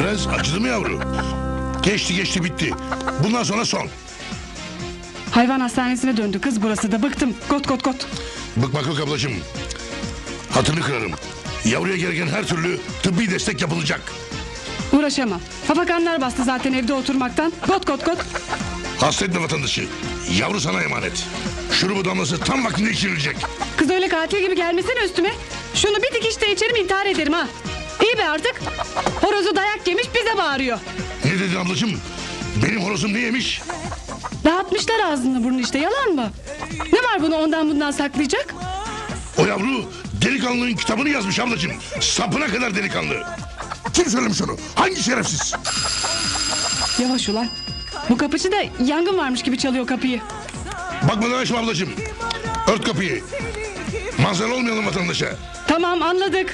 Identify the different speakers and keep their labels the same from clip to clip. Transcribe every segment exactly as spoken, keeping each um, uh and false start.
Speaker 1: Prens acıdı mı yavru? Geçti geçti bitti. Bundan sonra son.
Speaker 2: Hayvan hastanesine döndü kız burası da, bıktım. Kot kot kot.
Speaker 1: Bıkmak yok ablacığım. Hatırını kırarım. Yavruya gereken her türlü tıbbi destek yapılacak.
Speaker 2: Uğraşamam. Hafakanlar bastı zaten evde oturmaktan. Kot kot kot.
Speaker 1: Hasta etme vatandaşı. Yavru sana emanet. Şurubu damlası tam vaktinde içirilecek.
Speaker 2: Kız öyle katil gibi gelmesene üstüme. Şunu bir dikişte içerim, intihar ederim ha. İyi be artık. Horozu dayak yemiş bize bağırıyor.
Speaker 1: Ne dedin ablacığım? Benim horozum ne yemiş?
Speaker 2: Dağıtmışlar ağzını burnunu işte, yalan mı? Ne var bunu ondan bundan saklayacak?
Speaker 1: O yavru delikanlının kitabını yazmış ablacığım. Sapına kadar delikanlı. Kim söylemiş onu? Hangi şerefsiz?
Speaker 2: Yavaş ulan. Bu kapıcı da yangın varmış gibi çalıyor kapıyı.
Speaker 1: Bakmadan açma ablacığım. Ört kapıyı. Manzara olmayalım vatandaşa.
Speaker 2: Tamam, anladık.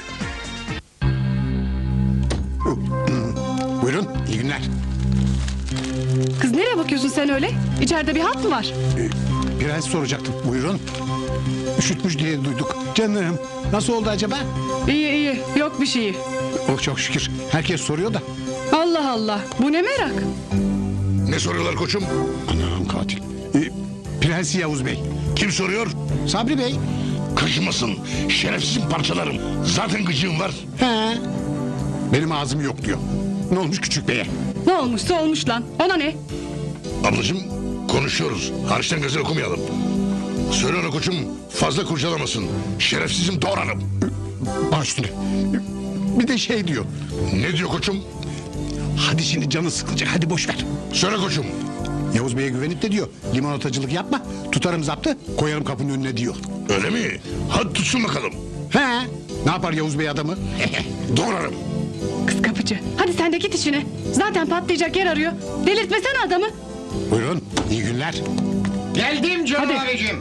Speaker 3: Buyurun, iyi günler.
Speaker 2: Kız nereye bakıyorsun sen öyle? İçeride bir hat mı var?
Speaker 3: Ee, prens soracaktım, buyurun. Üşütmüş diye duyduk. Canım, nasıl oldu acaba?
Speaker 2: İyi iyi, yok bir şeyi.
Speaker 3: Oh çok şükür, herkes soruyor da.
Speaker 2: Allah Allah, bu ne merak?
Speaker 1: Ne soruyorlar koçum?
Speaker 3: Anam katil. Ee, Prens Yavuz Bey.
Speaker 1: Kim soruyor?
Speaker 3: Sabri Bey.
Speaker 1: Kaşımasın. Şerefsizim parçalarım. Zaten gıcığım var.
Speaker 3: He. Benim ağzım yok diyor. Ne olmuş küçük beye?
Speaker 2: Ne olmuşsa olmuş lan, ona ne?
Speaker 1: Ablacığım konuşuyoruz. Hariçten gazel okumayalım. Söyle ona koçum fazla kurcalamasın. Şerefsizim doğrarım.
Speaker 3: Baş üstüne. Bir de şey diyor.
Speaker 1: Ne diyor koçum?
Speaker 3: Hadi şimdi canı sıkılacak, hadi boş ver.
Speaker 1: Söyle koçum.
Speaker 3: Yavuz Bey'e güvenip de diyor. Limonatacılık yapma, tutarım zaptı, koyarım kapının önüne diyor.
Speaker 1: Öyle mi? Hadi tutsun bakalım.
Speaker 3: He. Ne yapar Yavuz Bey adamı?
Speaker 1: Doğrarım.
Speaker 2: Kız kapıcı, hadi sen de git işine. Zaten patlayacak yer arıyor. Delirtmesene adamı.
Speaker 3: Buyurun, iyi günler.
Speaker 4: Geldim canım
Speaker 2: Hadi.
Speaker 4: abicim.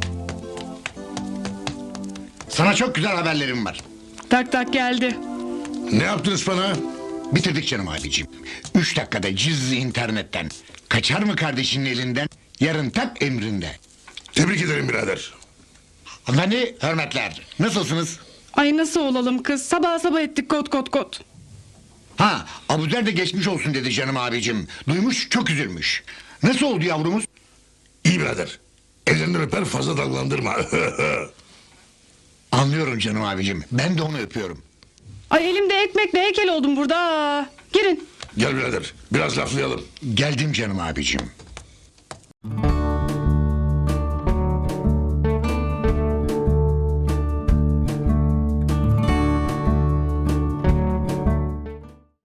Speaker 4: Sana çok güzel haberlerim var.
Speaker 2: Tak tak geldi.
Speaker 1: Ne yaptınız bana?
Speaker 4: Bitirdik canım abicim. Üç dakikada cizli internetten. Kaçar mı kardeşinin elinden? Yarın tak emrinde.
Speaker 1: Tebrik ederim birader.
Speaker 4: Hanımefendi hürmetler. Nasılsınız?
Speaker 2: Ay nasıl olalım kız? Sabah sabah ettik kot kot kot.
Speaker 4: Ha, Abuzer de geçmiş olsun dedi canım abicim. Duymuş çok üzülmüş. Nasıl oldu yavrumuz?
Speaker 1: İyi birader. Ellerinden öper fazla dalgalandırma.
Speaker 4: Anlıyorum canım abicim. Ben de onu öpüyorum.
Speaker 2: Ay elimde ekmekle heykel oldum burada. Aa, girin.
Speaker 1: Gel birader biraz laflayalım.
Speaker 4: Geldim canım abicim.